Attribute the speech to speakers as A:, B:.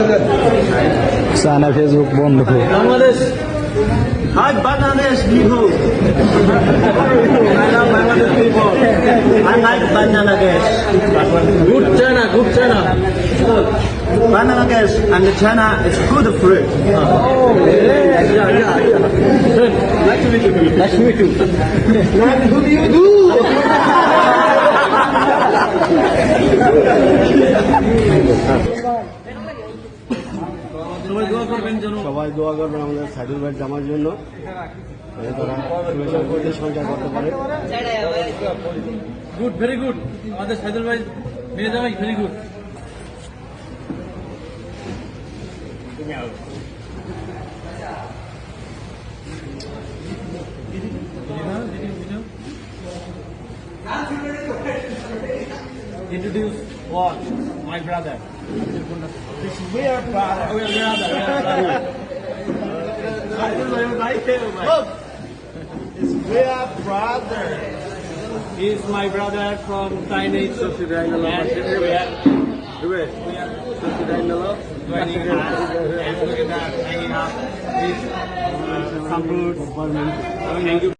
A: China Facebook বন্ধ।
B: Bangladesh, hi Bangladesh people. I love Bangladesh people. I like Bangladesh. Good China, good China. Bangladesh and China is good fruit. Yeah. Nice to meet you. Nice to meet you. What do you do?
C: সবাই দোয়া করবেন আমাদের সাইদুল ভাই জামার জন্য, তারা শুভেচ্ছা করতে সঞ্চয় করতে পারে।
B: Good, very good. আমাদের সাইদুল ভাই মেয়ে জামাই very good. Introduce what? My brother. We are brother. We are brother. Look, we are brother. He is my brother from Chinese. We are joining us. And look at that, hanging up. Some fruits. Thank you.